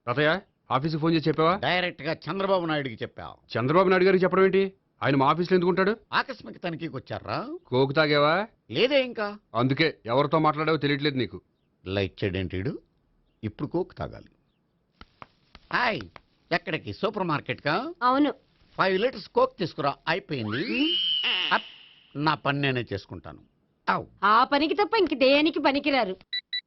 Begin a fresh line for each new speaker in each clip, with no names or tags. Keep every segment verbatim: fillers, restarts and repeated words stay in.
తాతయ్య ఆఫీస్కి ఫోన్ చేసి చెప్పావా?
డైరెక్ట్ గా చంద్రబాబు నాయుడుకి చెప్పావు.
చంద్రబాబు నాయుడు గారికి చెప్పడం ఏంటి? ఆయన మా ఆఫీస్లో ఎందుకుంటాడు?
ఆకస్మిక తనిఖీకి వచ్చారా?
కోకు తాగావా?
లేదే ఇంకా.
అందుకే ఎవరితో మాట్లాడావో తెలియట్లేదు నీకు.
లైట్ చేయడేంటి? ఇప్పుడు కోక్ తాగాలి. హాయ్, ఎక్కడికి? సూపర్ మార్కెట్ కా?
అవును.
ఫైవ్ లీటర్స్ కోక్ తీసుకురా. అయిపోయింది. అప్, నా పని నేనే చేసుకుంటాను. అవ్.
ఆ పనికి తప్ప ఇంక దేనికి పనికిరారు.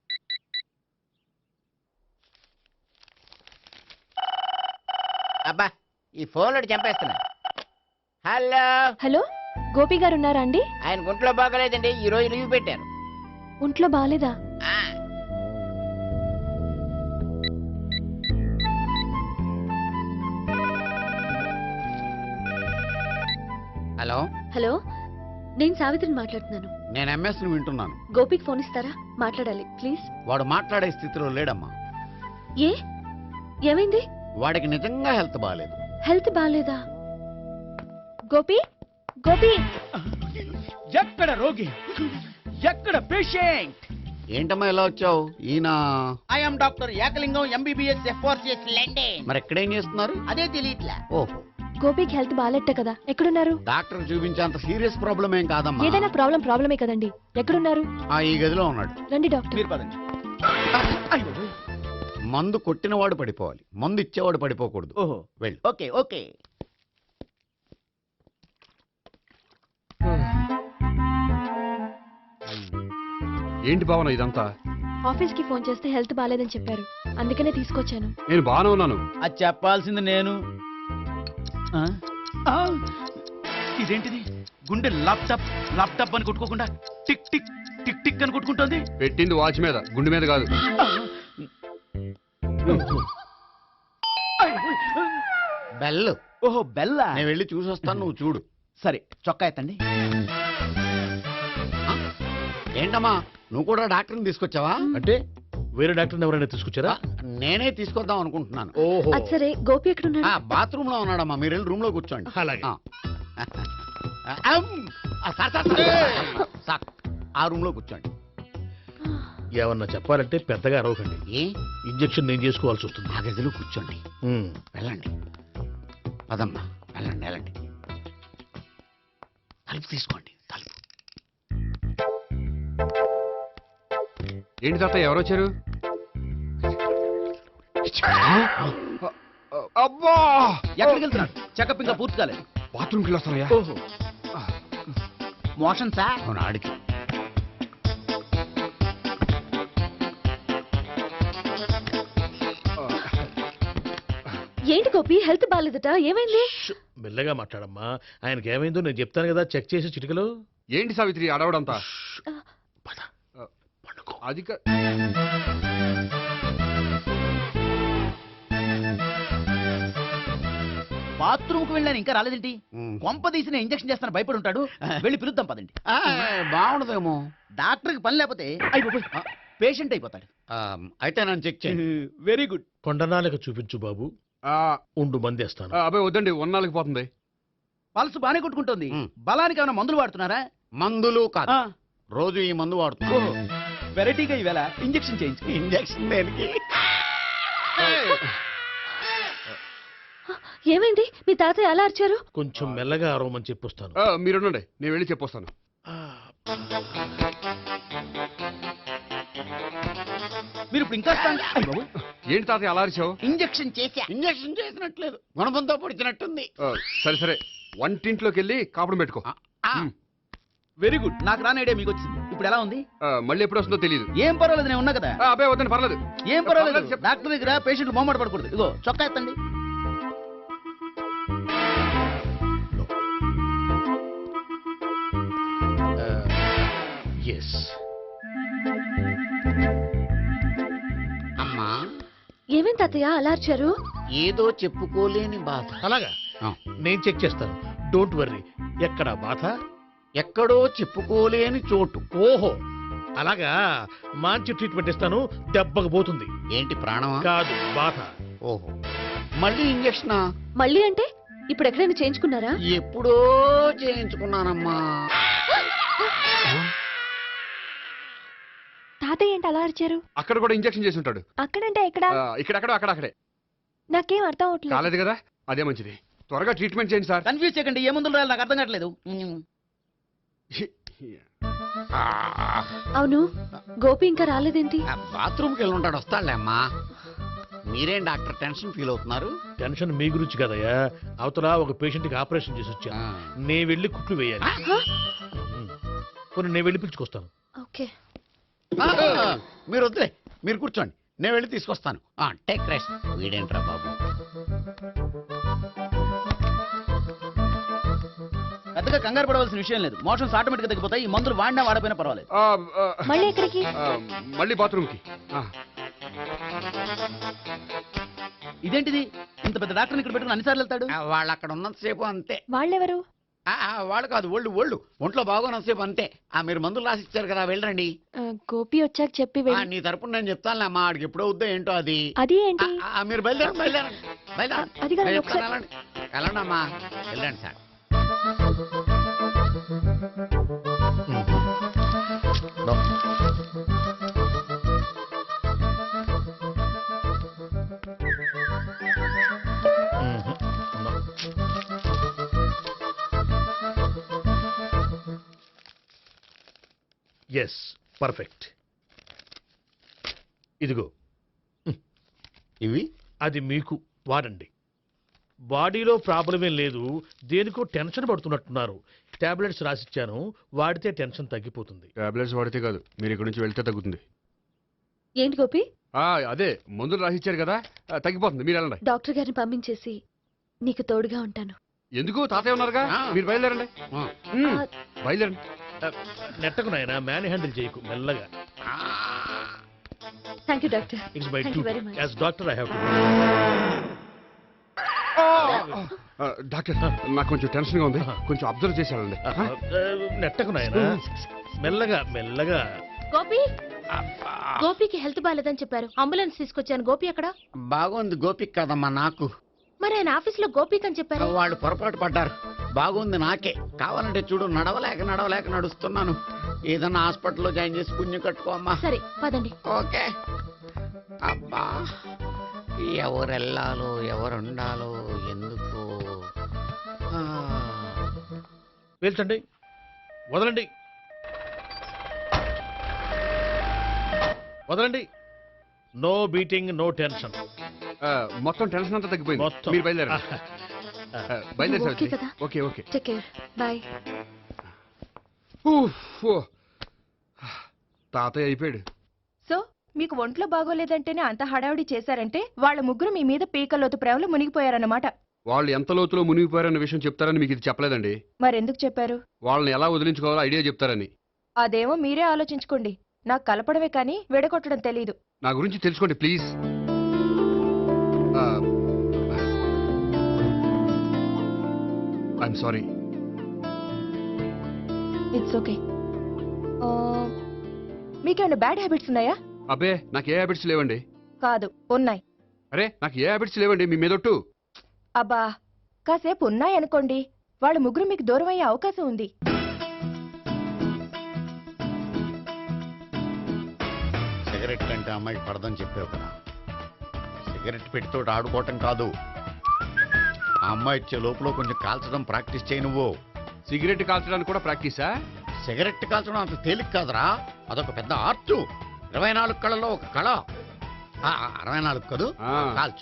అబ్బా, ఈ ఫోన్లో చంపేస్తున్నా. హలో
హలో, గోపి గారు ఉన్నారా అండి?
ఆయన గుంట్లో బాగలేదండి, ఈ రోజు లీవ్ పెట్టారు.
ఒంట్లో బాగాలేదా?
హలో
హలో, నేను సావిత్రిని మాట్లాడుతున్నాను.
నేను ఎంఎస్ ను వింటున్నాను.
గోపికి ఫోన్ ఇస్తారా? మాట్లాడాలి ప్లీజ్.
వాడు మాట్లాడే స్థితిలో లేడమ్మా.
ఏ ఏమైంది?
వాడికి నిజంగా హెల్త్ బాగాలేదు.
హెల్త్ బాగాలేదా? గోపి గోపి
ఎక్కడ రోగి, ఎక్కడ పేషెంట్?
ఏంటమ్మా ఇలా వచ్చావు? ఈయన
I'm doctor Ekalingam, MBBS FRCS London.
మరి ఎక్కడేం చేస్తున్నారు?
అదే తెలియట్లా.
ఓహో,
గోపికి హెల్త్ బాగాలెట్ట కదా, ఎక్కడున్నారు?
డాక్టర్ చూపించేంత సీరియస్ ప్రాబ్లం ఏం కాదమ్మా.
ఏదైనా ప్రాబ్లం ప్రాబ్లమే కదండి. ఎక్కడున్నారు?
ఆ, ఈ గదిలో ఉన్నాడు.
రండి డాక్టర్.
మీరు పదండి. అయ్యో.
మందు కొట్టినవాడు పడిపోవాలి, మందు ఇచ్చేవాడు పడిపోకూడదు.
ఓహో,
వెళ్ళు.
Okay okay.
ఏంటి భావన ఇదంతా?
ఆఫీస్ కి ఫోన్ చేస్తే హెల్త్ బాగాలేదని చెప్పారు, అందుకనే తీసుకొచ్చాను.
నేను బాగానే ఉన్నాను.
అది చెప్పాల్సింది నేను. ఆ? ఆ! ఇదేంటిది? గుండె ల్యాప్టాప్ ల్యాప్టాప్ అని కొట్టుకోకుండా టిక్ టిక్ టిక్ టిక్ అని కొట్టుకుంటోంది.
పెట్టింది వాచ్ మీద, గుండె మీద కాదు.
బెల్.
ఓహో, బెల్లా.
నేను వెళ్ళి చూసి వస్తాను, నువ్వు చూడు.
సరే, చొక్కా ఎత్తండి.
ఏంటమ్మా, నువ్వు కూడా డాక్టర్ని తీసుకొచ్చావా?
అంటే వేరే డాక్టర్ని ఎవరైనా తీసుకొచ్చారా?
నేనే తీసుకొద్దాం అనుకుంటున్నాను.
ఓహో,
అది సరే, గోపి ఎక్కడున్నాడు?
బాత్రూమ్ లో ఉన్నాడమ్మా, మీరు వెళ్ళి రూమ్ లో కూర్చోండి.
అలాగే.
ఆ. అమ్. ఆ, సార్, సార్, సార్, సార్, ఆ రూమ్ లో కూర్చోండి.
ఏమన్నా చెప్పాలంటే పెద్దగా అరవకండి.
ఏ
ఇంజెక్షన్ నేను చేసుకోవాల్సి వస్తుంది.
ఆ గదిలో కూర్చోండి.
ఉమ్.
వెళ్ళండి, పదమ్మా, వెళ్ళండి వెళ్ళండి. తలుపు తీసుకోండి, తలుపు.
ఏంటి తాతయ్య ఎవరు వచ్చారు? అబ్బా,
ఎక్కడికి వెళ్తున్నాడు? చెకప్ ఇంకా పూర్తి కాలేదు.
బాత్రూమ్కి వెళ్ళొస్తానయ్యా.
ఓహో, మోషన్ సార్.
అవును, ఆడికి.
ఏంటి గోపి, హెల్త్ బాగాలేదట, ఏమైంది?
ష్, మెల్లగా మాట్లాడమ్మా. ఆయనకి ఏమైందో నేను చెప్తాను కదా, చెక్ చేసి చిటికలో.
ఏంటి సావిత్రి అడవడంతా?
పద, పండుకో.
అది కా-
బాత్రూమ్ కు వెళ్ళాను, ఇంకా రాలేదేంటి?
ఉమ్.
కొంప తీసిన ఇంజక్షన్ చేస్తాను భయపడి ఉంటాడు. వెళ్ళి పిలుద్దాం పదండి.
ఆ, బాగుండదేమో.
డాక్టర్కి పని లేకపోతే అయిపోయి పేషెంట్ అయిపోతాడు.
ఆ, అయితే నన్ను చెక్ చేయండి.
Very good.
కొండనాలకు చూపించు బాబు.
ఆ,
ఉండు మందేస్తాను.
ఆ, అబ్బాయి వద్దండి, ఉన్నాళ్ళకి పోతుంది.
పల్స్ బానే కొట్టుకుంటుంది.
ఉమ్.
బలానికి ఏమైనా మందులు వాడుతున్నారా?
మందులు కాదు,
ఆ,
రోజు ఈ మందు వాడుతున్నా.
ఓహో, వెరైటీగా ఈవేళ ఇంజక్షన్ చేయించు.
ఇంజక్షన్ దేనికి?
ఏమైంది? మీ తాతయ్య అలా అరిచారు?
కొంచెం మెల్లగా అరవమని చెప్పొస్తాను.
ఆ, మీరుండండి, నేను వెళ్ళి చెప్పొస్తాను.
ఆ,
మీరు ఇప్పుడు ఇంకా strong- అయ్ బాబోయ్.
ఏంటి తాతయ్య అలా అరిచావు?
ఇంజక్షన్ చేశా.
ఇంజక్షన్ చేసినట్లేదు, గుణపంతో పొడిచినట్టుంది.
ఆ, సరే సరే, వంటింట్లోకి వెళ్ళి కాపుడు పెట్టుకో.
ఆ, ఆ,
ఉమ్.
Very good. నాకు రాని ఐడియా మీకు వచ్చింది. ఇప్పుడు ఎలా ఉంది?
ఆ, మళ్ళీ ఎప్పుడు వస్తుందో తెలియదు.
ఏం పర్వాలేదు, నేను ఉన్నా కదా.
అబ్బాయి వద్దండి, పర్లేదు.
ఏం పర్వాలేదు.
పర్వాలేదు, చెప్పు.
డాక్టర్ దగ్గర పేషెంట్లు మొహమాట పడకూడదు. ఇగో చొక్కా ఎత్తండి.
ఎస్.
అమ్మా,
ఏమేం తాతయ్య అలా అరిచారు?
ఏదో చెప్పుకోలేని బాధ.
అలాగా,
ఆ,
నేను చెక్ చేస్తాను. Don't worry. ఎక్కడ బాధ?
ఎక్కడో చెప్పుకోలేని చోటు.
ఓహో, అలాగా. మంచి ట్రీట్మెంట్ ఇస్తాను, దెబ్బకు పోతుంది.
ఏంటి, ప్రాణమా?
కాదు, బాధ.
ఓహో, మళ్ళీ ఇంజక్షనా?
మళ్ళీ అంటే ఇప్పుడు ఎక్కడైనా చేయించుకున్నారా?
ఎప్పుడో చేయించుకున్నానమ్మా.
తాతయ్య ఏంటి అలా అరిచారు?
అక్కడ కూడా ఇంజక్షన్ చేసి ఉంటాడు.
అక్కడంటే ఎక్కడ?
ఆ, ఇక్కడెక్కడో అక్కడ అక్కడే.
నాకేం అర్థం అవట్లేదు
కాలేదు కదా అదే మంచిది త్వరగా ట్రీట్మెంట్ చేయండి సార్
కన్ఫ్యూజ్ చేయకండి ఏ మందులు రాయాలి నాకు అర్థం కావట్లేదు
అవును గోపి ఇంకా రాలేదేంటి
బాత్రూమ్కి వెళ్ళి ఉంటాడు వస్తాడులే అమ్మా మీరేం డాక్టర్ టెన్షన్ ఫీల్ అవుతున్నారు
టెన్షన్ మీ గురించి కదయ్యా అవతల ఒక పేషెంట్ కి ఆపరేషన్ చేసి వచ్చా
ఆ.
నే వెళ్ళి కుట్లు వేయాలి
హ?
కొన్ని నేను వెళ్ళి పిలుచుకొస్తాను
ఓకే
ఆ, మీరు వద్దులే మీరు కూర్చోండి నేను వెళ్ళి తీసుకొస్తాను టేక్ రెస్ట్ వీడేంట్రా బాబు
పెద్దగా కంగారు పడవలసిన విషయం లేదు మోషన్స్ ఆటోమేటిక్ గా తగ్గిపోతాయి ఈ మందులు వాడినా వాడపోయినా పర్వాలేదు
ఆ, ఆ,
మళ్ళీ ఎక్కడికి
ఆ, మళ్ళీ బాత్రూమ్కి ఆ,
ఇదేంటిది ఇంత పెద్ద డాక్టర్ని ఇక్కడ పెట్టుకుని అన్నిసార్లు వెళ్తాడు
ఆ, వాళ్ళు అక్కడ ఉన్నంతసేపు అంతే
వాళ్ళెవరు
ఆ, ఆ, వాళ్ళు కాదు ఒళ్ళు ఒళ్ళు ఒంట్లో బాగోనంతసేపు అంతే ఆ మీరు మందులు రాసి ఇచ్చారు కదా వెళ్ళండి
ఆ, గోపి వచ్చాక చెప్పి
ఆ,
వెళ్ళి
నీ తరపున నేను చెప్తానులే అమ్మా ఆడికి ఎప్పుడో వద్దో ఏంటో అది
అది
ఆ,
ఏంటి
ఆ, మీరు బయలుదేరండి బయలుదేరండి బయలుదేరండి
అది కాదు,
నేను
ఒకసారి-
చెప్తాను, వెళ్ళండి వెళ్ళండి అమ్మా వెళ్ళండి sir
No. Mhm. No. Yes perfect ఇదిగో
ఇవి
అది మీకు వాడండి బాడీలో ప్రాబ్లం ఏం లేదు దేనికో టెన్షన్ పడుతున్నట్టున్నారు టాబ్లెట్స్ రాసిచ్చాను వాడితే టెన్షన్ తగ్గిపోతుంది
టాబ్లెట్స్ వాడితే కాదు మీరు ఇక్కడ నుంచి వెళ్తే తగ్గుతుంది
ఏంటి గోపి
ఆ, అదే మందులు రాసిచ్చారు కదా ఆ, తగ్గిపోతుంది మీరు వెళ్ళండి
డాక్టర్ గారిని పంపించేసి నీకు తోడుగా ఉంటాను
ఎందుకు తాతయ్య ఉన్నారుగా
ఆ.
మీరు బయలుదేరండి
ఆ.
ఉమ్,
ఆ,
బయలుదేరండి
నెట్టకు నాయన మ్యాన్ హ్యాండిల్ చేయకు మెల్లగా
ఆ.
Thank you doctor
it's my
Thank
duty
you very much.
As doctor I have to
ఆ, డాక్టర్ నాకు కొంచెం టెన్షన్ గా ఉంది కొంచెం అబ్జర్వ్ చేసేయాలండి
నెట్టకు నాయన మెల్లగా మెల్లగా
గోపి గోపికి హెల్త్ బాగాలేదని చెప్పారు అంబులెన్స్ తీసుకొచ్చాను గోపి అక్కడ
బాగుంది గోపిక్ కదమ్మా నాకు
మరి ఆయన ఆఫీస్ లో గోపిక్ అని చెప్పారు
వాళ్ళు పొరపాటు పడ్డారు బాగుంది నాకే కావాలంటే చూడు నడవలేక నడవలేక నడుస్తున్నాను ఏదన్నా హాస్పిటల్లో జాయిన్ చేసి పుణ్యం కట్టుకో అమ్మా
సరే పదండి
ఓకే అబ్బా ఎవరు వెళ్ళాలో ఎవరు ఉండాలో ఎందుకు ఆ.
పేల్చండి వదలండి వదలండి నో బీటింగ్ నో టెన్షన్
ఆ, మొత్తం టెన్షన్ అంతా తగ్గిపోయింది
మొత్తం
మీరు బయలుదేరండి ఆ, బయలుదేరి
ఓకే
సావిత్రి.
కదా?
Okay okay
take care bye
ఊఫ్, ఓ. తాతయ్య అయిపోయాడు
సో మీకు ఒంట్లో బాగోలేదంటేనే అంత హడావిడి చేశారంటే వాళ్ళ ముగ్గురు మీ మీద పీకల్లోతు ప్రేమలో మునిగిపోయారన్నమాట
వాళ్ళు ఎంత లోతులో మునిగిపోయారన్న విషయం చెప్తారని మీకు ఇది చెప్పలేదండి
మరెందుకు చెప్పారు
వాళ్ళని ఎలా వదిలించుకోవాలో ఐడియా చెప్తారని
అదేమో మీరే ఆలోచించుకోండి నాకు కలపడమే కానీ విడగొట్టడం తెలీదు
నా గురించి తెలుసుకోండి please I'm sorry
it's okay మీకేమైనా బ్యాడ్ హ్యాబిట్స్ ఉన్నాయా
అబ్బే నాకు ఏ హ్యాబిట్స్ లేవండి
కాదు ఉన్నాయి
అరే నాకు ఏ హ్యాబిట్స్ లేవండి మీ మీదొట్టు
అబ్బా కాసేపు ఉన్నాయనుకోండి వాళ్ళ ముగ్గురు మీకు దూరం అయ్యే అవకాశం ఉంది
సిగరెట్ కంటే అమ్మాయికి పడదని చెప్పావు కదా సిగరెట్ పెట్టితో ఆడుకోవటం కాదు ఆ అమ్మాయి ఇచ్చే లోపల కొంచెం కాల్చడం ప్రాక్టీస్ చేయి నువ్వు
సిగరెట్ కాల్చడానికి కూడా ప్రాక్టీసా
సిగరెట్ కాల్చడం అంత తేలిక కాదురా అదొక పెద్ద ఆర్ట్ ఇరవై నాలుగు కళలో ఒక కళ ఆ, అరవై నాలుగు కదూ
ఆ.
కాల్చు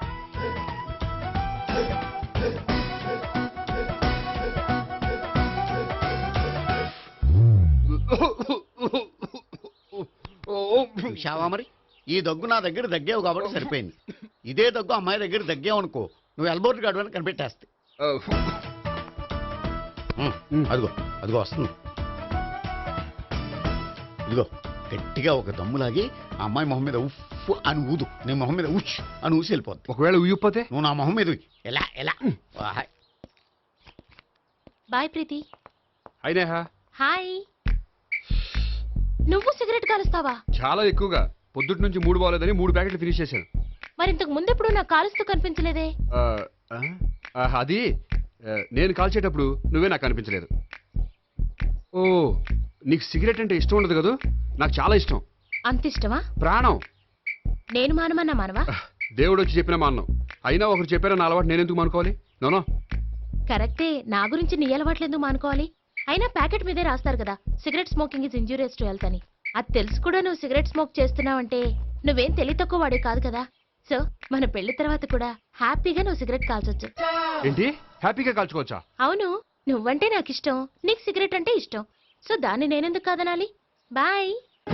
చూశావా మరి ఈ దగ్గు నా దగ్గర దగ్గేవు కాబట్టి సరిపోయింది ఇదే దగ్గు అమ్మాయి దగ్గర దగ్గేవు అనుకో నువ్వు ఎల్బోర్డ్ గాడు అని కనిపెట్టేస్తే ఉమ్, అదిగో అదిగో వస్తుంది ఇదిగో గట్టిగా ఒక దమ్ములాగి ఆ అమ్మాయి మొహం మీద ఉఫ్ అని ఊదు నీ మొహం మీద ఉచ్ అని ఊసి వెళ్ళిపోద్ది
ఒకవేళ ఉయ్యపోతే
నువ్వు నా మొహం మీద ఉయ్. ఎలా ఎలా వాహ్.
బాయ్ ప్రీతి
అయినా
హాయ్ నువ్వు సిగరెట్ కాలుస్తావా
చాలా ఎక్కువగా పొద్దుటి నుంచి మూడు బాగోలేదని మూడు ప్యాకెట్లు ఫినిష్ చేశాను
మరి ఇంతకు ముందు ఎప్పుడు నాకు కాలుస్తూ కనిపించలేదే
ఆ, ఆ, ఆ, అది ఆ, నేను కాల్చేటప్పుడు నువ్వే నాకు కనిపించలేదు ఓ నీకు సిగరెట్ అంటే ఇష్టం ఉండదు కదా నాకు చాలా ఇష్టం
అంత ఇష్టమా
ప్రాణం
నేను మానమన్నా మానవా
దేవుడు వచ్చి చెప్పిన మా అన్నం అయినా ఒకరు చెప్పారా నా అలవాటు నేను ఎందుకు అనుకోవాలి? నోనో.
కరెక్టే, నా గురించి నీ అలవాట్లు ఎందుకు మానుకోవాలి? అయినా ప్యాకెట్ మీదే రాస్తారు కదా, cigarette smoking is injurious to health అని. అది తెలుసు కూడా నువ్వు సిగరెట్ స్మోక్ చేస్తున్నావంటే నువ్వేం తెలివి తక్కువ వాడే కాదు కదా. సో మన పెళ్లి తర్వాత కూడా హ్యాపీగా నువ్వు సిగరెట్ కాల్చొచ్చు.
ఏంటి హ్యాపీగా కాల్చుకోవచ్చా?
అవును, నువ్వంటే నాకు ఇష్టం, నీకు సిగరెట్ అంటే ఇష్టం. సో దాన్ని నేనెందుకు కాదనాలి? బాయ్.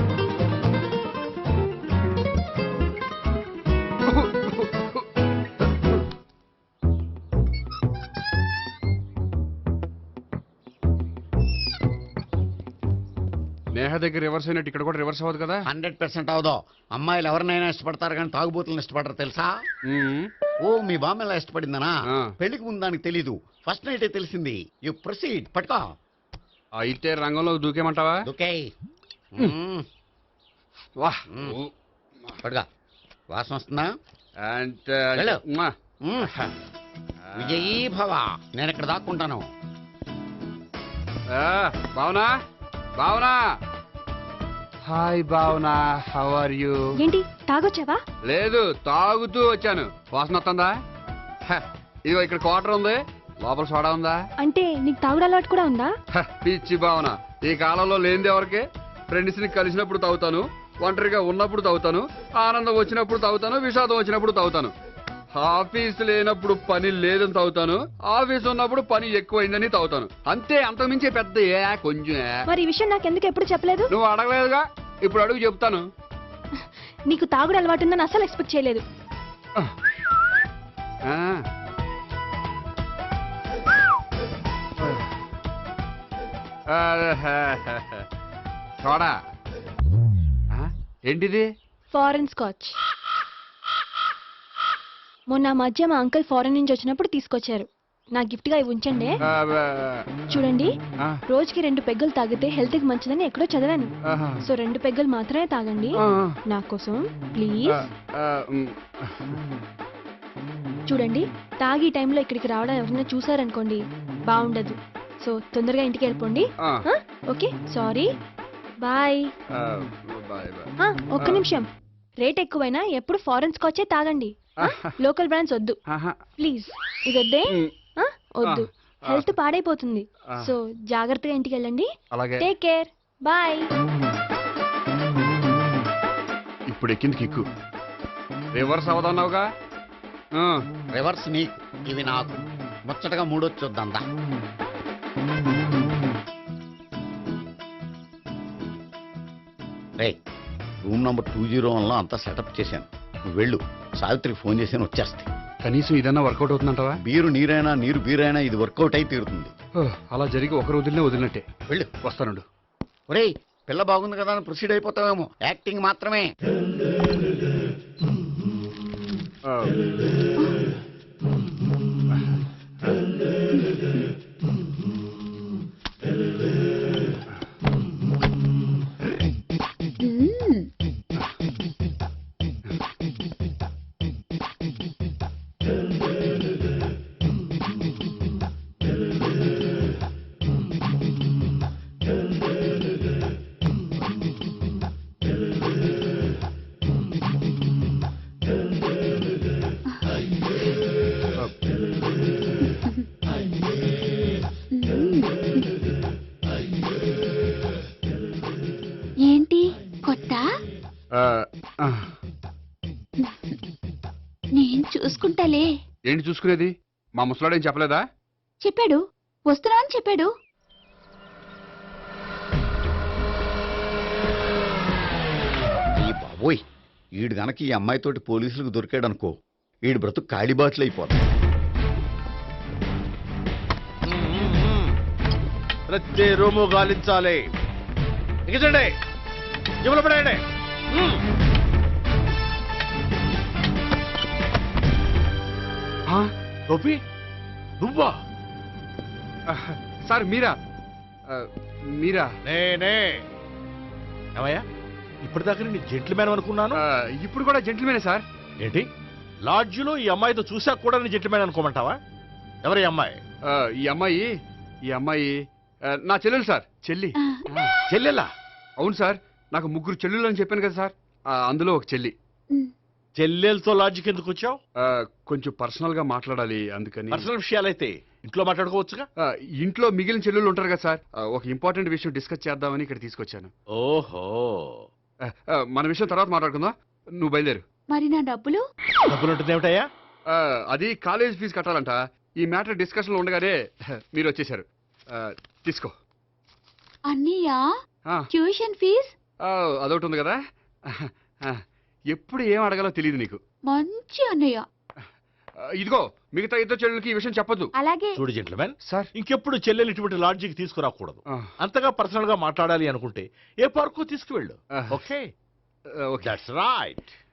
నేహ దగ్గర రివర్స్ అయినట్టు ఇక్కడ కూడా రివర్స్ అవ్వదు కదా?
హండ్రెడ్ పర్సెంట్ అవదో. అమ్మాయిలు ఎవరినైనా ఇష్టపడతారు కానీ తాగుబోతులను ఇష్టపడరు తెలుసా?
మ్మ్.
ఓ మీ బామ్మ ఎలా ఇష్టపడిందనా?
ఆ.
పెళ్లికి ముందు దానికి తెలీదు, ఫస్ట్ నైటే తెలిసింది. యు ప్రొసీడ్, పట్టుకో.
అయితే రంగంలో దూకేమంటావా?
ఓకే
వాహ్.
మ్మ్. పట్టుకో. వాసన వస్తుందా?
అండ్
వెళ్ళు.
మ్వా.
మ్మ్. విజయీ భవ. నేను ఇక్కడ దాక్కుంటాను.
ఆ, Bhavana Bhavana. Hi Bhavana, how are you?
ఏంటి తాగొచ్చావా?
లేదు, తాగుతూ వచ్చాను. వాసన వస్తుందా? హ, ఇదిగో ఇక్కడ క్వార్టర్ ఉంది, లోపల సోడా ఉందా?
అంటే నీకు తాగుడు అలవాటు కూడా ఉందా?
హ, పిచ్చి భావన, ఈ కాలంలో లేనిది ఎవరికి? ఫ్రెండ్స్ ని కలిసినప్పుడు తాగుతాను, ఒంటరిగా ఉన్నప్పుడు తాగుతాను, ఆనందం వచ్చినప్పుడు తాగుతాను, విషాదం వచ్చినప్పుడు తాగుతాను. ఆఫీస్ లేనప్పుడు పని లేదని తాగుతాను, ఆఫీస్ ఉన్నప్పుడు పని ఎక్కువైందని తాగుతాను. అంతే, అంతకుమించే పెద్ద ఏ కొంచెం ఏ.
మరి ఈ విషయం నాకు ఎందుకు ఎప్పుడు చెప్పలేదు?
నువ్వు అడగలేదుగా, ఇప్పుడు అడుగు చెప్తాను.
నీకు తాగుడు అలవాటు ఉందని అసలు ఎక్స్పెక్ట్ చేయలేదు.
ఆ. సోడా. ఆ, ఏంటిది?
Foreign scotch. మొన్న ఆ మధ్య మా అంకుల్ ఫారెన్ నుంచి వచ్చినప్పుడు తీసుకొచ్చారు. నా గిఫ్ట్ గా ఇవి ఉంచండి.
ఆ, ఆ,
చూడండి,
ఆ,
రోజుకి రెండు పెగ్గలు తాగితే హెల్త్ కి మంచిదని ఎక్కడో చదివాను.
ఆహా.
సో రెండు పెగ్గలు మాత్రమే తాగండి
ఆ,
నా కోసం
ఆ,
ప్లీజ్.
ఆ, ఉమ్.
చూడండి, తాగి ఈ టైంలో ఇక్కడికి రావడం ఎవరైనా చూసారనుకోండి బాగుండదు. సో తొందరగా ఇంటికి వెళ్ళిపోండి.
ఆ,
ఆ? Okay, sorry, bye.
ఆ, బాయ్ బాయ్.
ఆ, ఒక్క నిమిషం. రేట్ ఎక్కువైనా ఎప్పుడు ఫారెన్ స్కాచే తాగండి.
ఆహా.
లోకల్ బ్రాండ్స్ వద్దు
ఆహా.
ప్లీజ్. ఇది వద్దే.
ఉమ్.
ఆ? వద్దు,
ఆ.
హెల్త్ పాడైపోతుంది.
ఆ.
సో జాగ్రత్తగా ఇంటికి వెళ్ళండి.
అలాగే.
Take care, bye.
ఇప్పుడు ఎక్కింది కిక్కు. రివర్స్ అవదన్నావుగా. ఆ,
రివర్స్ నీకు, ఇవి నాకు. ముచ్చటగా మూడొచ్చు చూద్దాందా. రే, రూమ్ నంబర్ టూ జీరో వన్లో అంతా సెటప్ చేశాను. నువ్వు వెళ్ళు, సావిత్రికి ఫోన్ చేసాను, వచ్చేస్తాయి.
కనీసం ఇదన్నా వర్కౌట్ అవుతుందంటావా?
బీరు నీరైనా నీరు బీరైనా ఇది వర్కౌట్ అయి తీరుతుంది.
ఓ, అలా జరిగి ఒకరు వదిలినే వదిలినట్టే.
వెళ్ళు.
వస్తానుండు.
ఒరేయ్, పిల్ల బాగుంది కదా అని ప్రొసీడ్ అయిపోతావేమో. యాక్టింగ్ మాత్రమే.
ఆ.
ఏంటి కొత్త?
ఆ, ఆ.
నేను చూసుకుంటాలే.
ఏంటి చూసుకునేది? మా ముసలాడేం చెప్పలేదా?
చెప్పాడు, వస్తున్నా అని చెప్పాడు.
ఈ బాబోయ్, ఈడు గనక ఈ అమ్మాయితోటి పోలీసులకు దొరికాడనుకో, ఈడు బ్రతుకు కాళీబాట్లు అయిపోతాయి.
ప్రతి రూము గాలించాలి. ఎగించండి, జబ్బులు పడేయండి.
ఆ?
గోపి, నువ్వా?
ఆ, సార్ మీరా? ఆ, మీరా?
నేనే. ఏమయ్యా, ఇప్పటిదాకా నేను జెంట్లమ్యాన్ అనుకున్నాను.
ఆ, ఇప్పుడు కూడా జెంటిల్మేనే సార్.
ఏంటి, లాడ్జిలో ఈ అమ్మాయితో చూసాక కూడా నేను జెంట్లమ్యాన్ అనుకోమంటావా? ఎవరి అమ్మాయి?
ఆ, ఈ అమ్మాయి ఈ అమ్మాయి ఆ, నా చెల్లెలు సార్. చెల్లి.
చెల్లెలా?
అవును సార్, నాకు ముగ్గురు చెల్లెలు అని చెప్పాను కదా సార్. ఆ, అందులో ఒక చెల్లి.
చెల్లెలతో లాడ్జికి ఎందుకు వచ్చావు?
ఆ, కొంచెం పర్సనల్ గా మాట్లాడాలి అందుకని.
పర్సనల్ విషయాలైతే ఇంట్లో మాట్లాడుకోవచ్చుగా.
ఆ, ఇంట్లో మిగిలిన చెల్లెళ్ళు ఉంటారు కదా సార్, ఆ, ఒక ఇంపార్టెంట్ విషయం డిస్కస్ చేద్దామని ఇక్కడ తీసుకొచ్చాను.
ఓహో,
ఆ, ఆ, మన విషయం తర్వాత మాట్లాడుకుందాం, నువ్వు బయలుదేరు.
మరి నా డబ్బులు?
డబ్బులు ఉంటుంది ఏమిటయ్యా?
ఆ, అది కాలేజ్ ఫీజు కట్టాలంట. ఈ మ్యాటర్ డిస్కషన్ లో ఉండగానే మీరు వచ్చేసారు. ఆ, తీసుకో.
అన్నయ్యా,
ఆ,
ట్యూషన్ ఫీజ్?
ఆ, అదొకటి ఉంది కదా. ఆ, ఎప్పుడు ఏం అడగాలో తెలియదు నీకు.
మంచి అన్నయ్య.
ఆ, ఇదిగో మిగతా ఇద్దరు చెల్లెలకి ఈ విషయం చెప్పొద్దు.
అలాగే.
చూడు జెంట్లమెన్,
సార్.
ఇంకెప్పుడు చెల్లెలు ఇటువంటి లాడ్జికి తీసుకురాకూడదు.
ఆ,
అంతగా పర్సనల్ గా మాట్లాడాలి అనుకుంటే ఏ పార్కు తీసుకువెళ్ళు.
ఆ,
ఓకే,
ఓకే.
That's right.